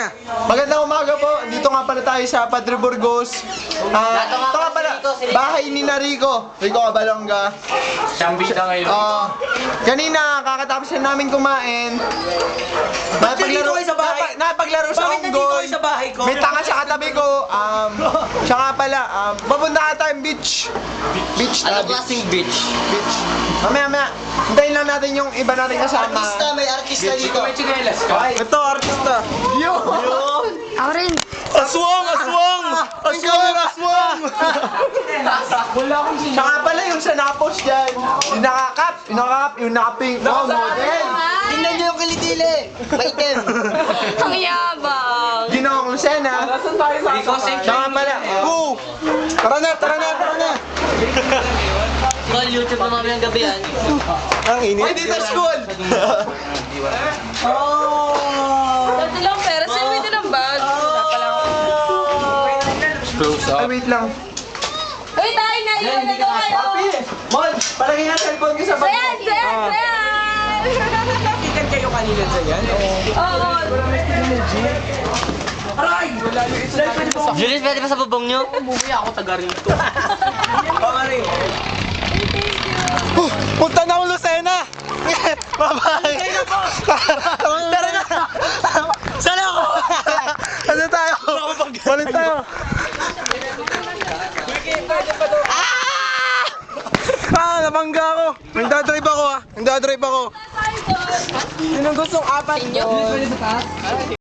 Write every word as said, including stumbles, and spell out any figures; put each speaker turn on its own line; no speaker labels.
Magandang umaga po. Dito nga pala tayo sa Padre Burgos. Ah, ito nga pala, bahay ni Rico. Rico Abalonga.
Sambita ngayon.
Ah, kanina kakatapos na namin kumain. Napaglaro
kayo sa bahay?
napa- napaglaro sa
Bakit nandito
unggoy.
kayo sa bahay ko?
May tanga sa katabi ko. Um, siya nga pala, um, papunta ka tayong beach. Beach na,
Anong klaseng beach?
beach. Mamaya, mamaya. Hintayin lang natin yung iba natin kasama.
Artista, may artista dito.
May chinelas ka.
Ito, artista. Yun!
Ako rin.
Aswang! Aswang! Aswang! Aswang!
Wala akong
Siya
sinama.
nga pala yung sa nakapos dyan. Yung nakakap, yung nakakap, yung nakaping. Oh, model!
Tingnan niyo yung kilitili. Maitim.
Ang yabang.
Ginoong Lucena.
Nasaan tayo sa
Rico,
asakay?
Siya nga pala. Oh! Tara na, tara na, tara na!
Tol, YouTube na mamayang gabi yan.
Ang init. Ay, dito school!
Dati lang pera. Sa'yo may ng bag.
Close
Ay,
up.
wait lang.
Uy, tayo na yun. Ito kayo.
Papi! Mon, palagay nga cellphone ko sa bag.
Sayan, sayan, sayan.
Kikan kayo kanina sa yan?
Oo.
Julius, pwede pa sa bubong niyo?
Umuwi ako taga rito.
Pamari.
Oh, punta na ako Lucena! Bye-bye! Tara na!
Sana ako!
Ano tayo? Balik tayo! Ah! Nabangga ako! Nagdadrive ako ah! Nagdadrive ako!
Tayo doon.
Sinong gustong apat?
Inyo.